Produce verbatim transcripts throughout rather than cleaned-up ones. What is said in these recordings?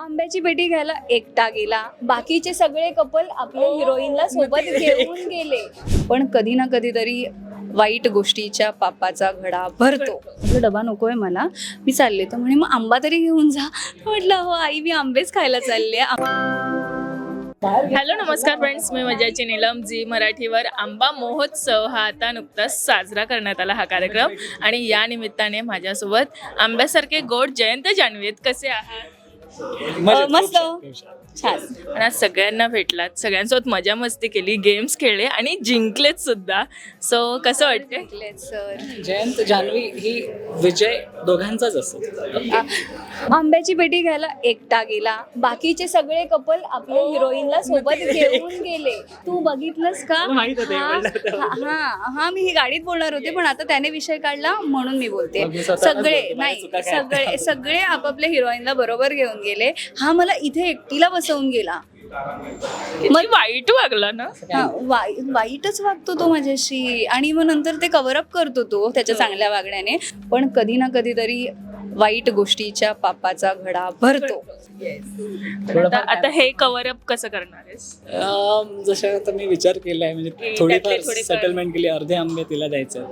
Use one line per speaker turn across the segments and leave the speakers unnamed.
आंब्याची पेटी घ्यायला एकटा गेला, बाकीचे सगळे कपल आपल्या हिरोईनला सोबत घेऊन गेले. पण कधी ना कधीतरी वाईट गोष्टीच्या पापाचा घडा भरतो. म्हटलं डबा नकोय मला, मी चालले. तर म्हणे मग आंबा तरी घेऊन जा. म्हटलं हो आई, मी आंबेच खायला चालले.
हॅलो नमस्कार फ्रेंड्स, मी मजाची नीलम. जी मराठीवर आंबा महोत्सव हा आता नुकताच साजरा करण्यात आला हा कार्यक्रम, आणि या निमित्ताने माझ्यासोबत आंब्यासारखे गोड जयंत जान्हवी आहेत. कसे आहात?
मस्त छान.
पण आज सगळ्यांना भेटलात, सगळ्यांसोबत मजा मस्ती केली, गेम्स खेळले आणि जिंकलेत सुद्धा. सो कसं वाटतंय?
सर,
जयंत जान्हवी ही विजय दोघांचाच असतो.
आंब्याची पेटी घ्यायला एकटा गेला, बाकीचे सगळे कपल आपल्या हिरोईनला सोबत घेऊन गेले. तू बघितलंस का?
माहित होतं,
हा
बोललं होतं.
हा हा, मी ही गाडीत बोलणार होते, पण आता त्याने विषय काढला म्हणून मी बोलते.
मग मी स्वतःच
सगळे
बोलते, माझ्या
नाही
चुका काय?
सगळे सगळे आपापल्या हिरोईनला बरोबर घेऊन गेले. हा मला इथे एकटीला बसवून गेला.
मग वाईट वागला ना.
हा, वाई वाईटच वागतो तो माझ्याशी, आणि मग नंतर ते कव्हर अप करतो तो त्याच्या चांगल्या वागण्याने. पण कधी ना कधीतरी वाईट गोष्टीच्या पापाचा घडा भरतो.
पण आता आता हे कव्हर अप कसं करणार आहेस?
अं, जसं आता मी विचार केलाय, म्हणजे
की
थोडीफार
त्यातले थोडेफार-
सेटलमेंट केली, अर्धे आंबे तिला द्यायचं.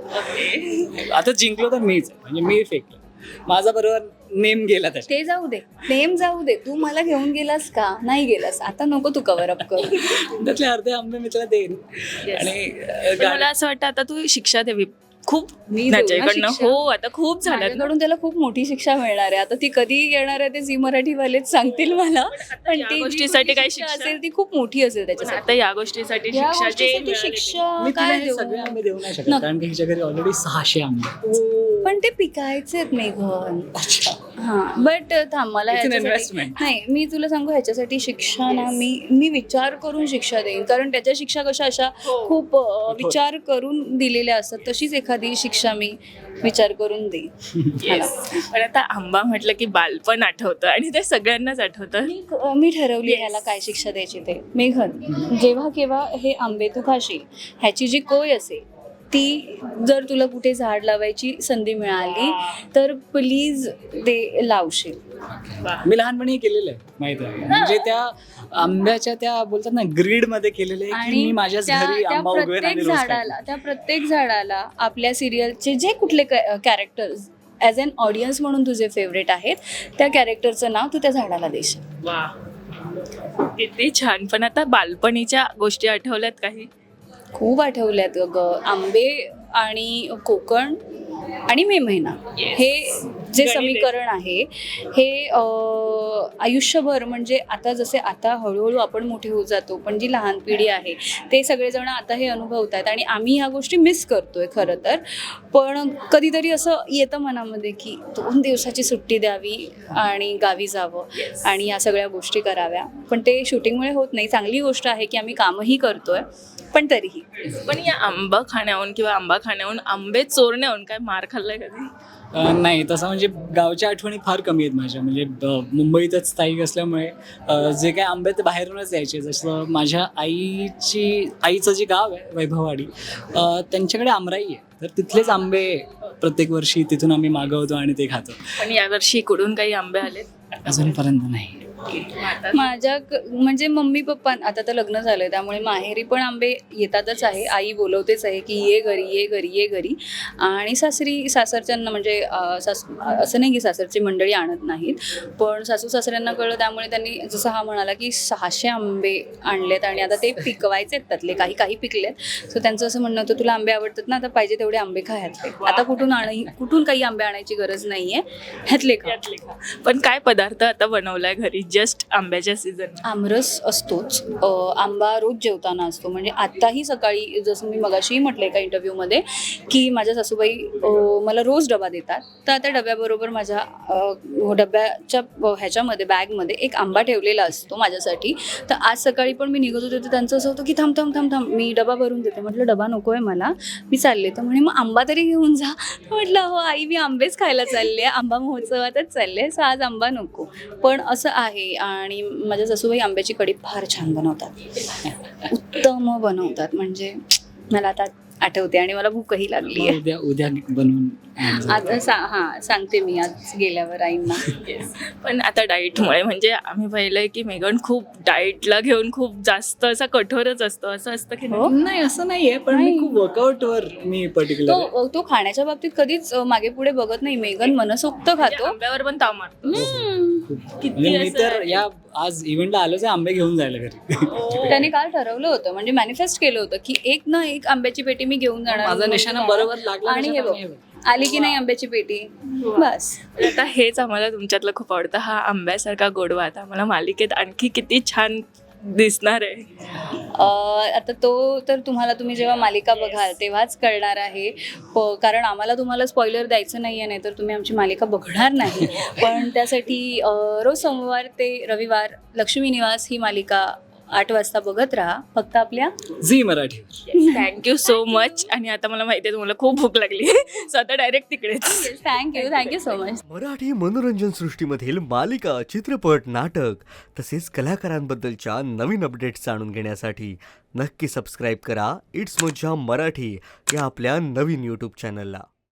आता जिंकलो तर मीच आहे, म्हणजे मी फेकलं, माझा बरोबर नेम गेला त्याच्यात.
ते जाऊ दे, नेम जाऊ दे. तू मला घेऊन गेलास का? नाही गेलास. आता नको तू कव्हर अप कर.
त्यातले अर्धे आंबे मी तिला देईन.
Yes.
आणि अं,
पण
गाडी-
मला असं वाटतं आता तू शिक्षा द्यावी खूप
मी देऊ ना
त्याच्याकडनं.
शिक्षा?
हो, आता खूप झालं.
माझ्याकडून त्याला खूप मोठी शिक्षा मिळणार आहे. आता ती कधी येणार आहे ते झी मराठीवालेच सांगतील मला. पण
या
ती जी
गोष्टीसाठी
मोठी
काय
शिक्षा
शिक्षा?
असेल ती खूप मोठी असेल त्याच्यासाठी.
आता या गोष्टीसाठी
या
शिक्षा जे
गोष्टीसाठी
मिळाली
शिक्षा
मी तिला
काय
हे
देऊ?
सगळे आंबे देऊ नाही शकत,
नको.
कारण की हिच्या घरी ऑलरेडी सहाशे आंबे आहेत.
पण ते पिकायचेत मेघन.
अच्छा.
हा, बट थांब, मला
It's an
ह्याच्यासाठी-
investment.
नाही, मी तुला सांगू, ह्याच्यासाठी शिक्षा ना मी मी विचार करून शिक्षा देईन. कारण त्याच्या शिक्षा कशा अशा खूप अ, विचार करून दिलेल्या असतात. तशीच एखादी शिक्षा मी विचार करून देईन.
Yes. पण आता आंबा म्हटलं की बालपण आठवतं, आणि ते सगळ्यांनाच आठवतं.
मी मी ठरवली ह्याला काय शिक्षा द्यायची ते. मेघन, जेव्हा केव्हा हे आंबे तू खाशील, ह्याची जी कोय असेल ती जर तुला कुठे झाड लावायची संधी मिळाली तर प्लीज ते लावशील.
मी लहानपणी केलेलं आहे, माहित आहे. म्हणजे त्या आंब्याच्या त्या बोलतात ना ग्रीड मध्ये केलेलं आहे की मी माझ्याच
त्या-
घरी
त्या
आंबा उगवेन
प्रत्येक
आणि रोज खाईन.
झाडाला त्या प्रत्येक झाडाला आपल्या सिरियलचे जे कुठले कॅरेक्टर्स ॲज अन ऑडियन्स म्हणून तुझे फेवरेट आहेत, त्या कॅरेक्टरचं नाव तू त्या झाडाला देशील.
वा, किती छान. पण आता बालपणीच्या गोष्टी आठवल्यात काही?
खूप आठवल्यात ग. आंबे आणि कोकण आणि मे महिना, हे जे समीकरण आहे हे अं, आयुष्यभर, म्हणजे आता जसे आता हळूहळू आपण मोठे होत जातो, पण जी लहान पिढी आहे ते सगळेजण आता हे अनुभवत आहेत, आणि आम्ही ह्या गोष्टी मिस करतोय खरं तर. पण कधीतरी असं येतं मनामध्ये की दोन दिवसाची सुट्टी द्यावी आणि गावी जावं आणि या सगळ्या गोष्टी कराव्या. पण ते शूटिंगमुळे होत नाही. चांगली गोष्ट आहे की आम्ही कामही करतोय, पण तरीही.
पण या आंबा खाण्याहून किंवा आंबा खाण्याहून, आंबे चोरण्याहून काय मार खाल्लाय कधी?
अं, नाही, तसं म्हणजे गावच्या आठवणी फार कमी आहेत माझ्या. म्हणजे अं, मुंबईतच स्थायिक असल्यामुळे अं, जे काय आंबे ते बाहेरूनच यायचे. जसं माझ्या आईची आईचं जे गाव आहे वैभववाडी, अं, त्यांच्याकडे आमराई आहे, तर तिथलेच आंबे प्रत्येक वर्षी तिथून आम्ही मागवतो आणि ते खातो.
पण यावर्षी इकडून काही आंबे आलेत?
अजूनपर्यंत नाही.
माझ्या क- म्हणजे मम्मी पप्पा, आता तर लग्न झालंय त्यामुळे माहेरी पण आंबे येतातच आहे. आई बोलवतेच आहे की ये घरी, ये घरी, ये घरी. आणि सासरी सासरच्यांना म्हणजे अं, सास असं नाही की सासरची मंडळी आणत नाहीत, पण सासू सासऱ्यांना कळलं, त्यामुळे त्यांनी जसं हा म्हणाला की सहाशे आंबे आणलेत आणि आता ते पिकवायचे आहेत. त्यातले काही काही पिकलेत. सो त्यांचं असं म्हणणं होतं, तुला आंबे आवडतात ना, आता पाहिजे तेवढे आंबे खा ह्यातले. आता कुठून आण कुठून काही आंबे आणायची गरज नाहीये, ह्यातले खा.
पण काय पदार्थ आता बनवलाय घरी जस्ट आंब्याच्या सीझन?
आमरस असतोच. अ, आंबा रोज जेवताना असतो. म्हणजे आत्ताही सकाळी, जसं मी मगाशीही म्हटलं एका इंटरव्ह्यूमध्ये, की माझ्या सासूबाई अ, मला रोज डबा देतात. तर त्या डब्याबरोबर माझ्या अ, डब्याच्या ह्याच्यामध्ये बॅगमध्ये एक आंबा ठेवलेला असतो माझ्यासाठी. तर आज सकाळी पण मी निघत होते तर त्यांचं असं होतं की थांब थांब थांब थांब मी डबा भरून देते. म्हटलं डबा नको आहे मला, मी चालले. तर म्हणे मग आंबा तरी घेऊन जा. म्हटलं हो आई, मी आंबेच खायला चालले, आंबा महोत्सवातच चालले, सो आज आंबा नको. पण असं आहे. आणि माझ्या सासूबाई आंब्याची कढी फार छान बनवतात, उत्तम बनवतात. म्हणजे मला आता आठवते आणि मला भूकही लागली
मग
आहे.
उद्या उद्या बनवून आणून
आज सा हां सांगते मी आज गेल्यावर आईंना.
पण आता डाईटमुळे म्हणजे आम्ही पाहिलंय की मेघन खूप डाईटला घेऊन खूप जास्त असा कठोरच असतो, असं असतं की नाही?
हो.
नाही असं नाहीये, पण मी
नाही.
खूप वर्कआउटवर मी पर्टिक्युलर
तो तो खाण्याच्या बाबतीत कधीच अ, मागे पुढे बघत नाही. मेघन मनसोक्त
म्हणजे
खातो.
आंब्यावर पण ताव मारतो.
हम्म.
किती
म्हणजे मी
असं
तर
आहे?
या आज इव्हेंटला आलोच आहे आंबे घेऊन जायला घरी.
हो.
त्याने काल ठरवलं होतं म्हणजे मॅनिफेस्ट केलं होतं की एक ना एक आंब्याची पेटी मी घेऊन जाणार.
माझा निशाणा बरोबर लागला
आणि हे
निशाणा
बघ आली की नाही आंब्याची पेटी बस.
पण आता हेच आम्हाला तुमच्यातलं खूप आवडतं, हा आंब्यासारखा गोडवा आता आम्हाला मालिकेत आणखी किती छान दिसणार आहे.
अ, आता तो तर तुम्हाला तुम्ही जेव्हा मालिका बघाल तेव्हाच कळणार आहे. प- कारण आम्हाला तुम्हाला स्पॉइलर द्यायचं नाही आहे, नाही तर तुम्ही आमची मालिका बघणार नाही. पण त्यासाठी अ, रोज सोमवार ते रविवार लक्ष्मी निवास ही मालिका आठ वाजता बघत राहा फक्त आपल्या
Zee Marathi.
Thank you so much. आणि आता मला माहिती आहे तुम्हाला खूप भूक लागली सो आता डायरेक्ट तिकडेच.
Thank you thank you so much.
Marathi मनोरंजन सृष्टीमधील मालिका, चित्रपट, नाटक तसेच कलाकारांबद्दलच्या नवीन अपडेट्स जाणून घेण्यासाठी नक्की सबस्क्राईब करा इट्स मज्जा मराठी या आपल्या नवीन यूट्यूब चॅनलला.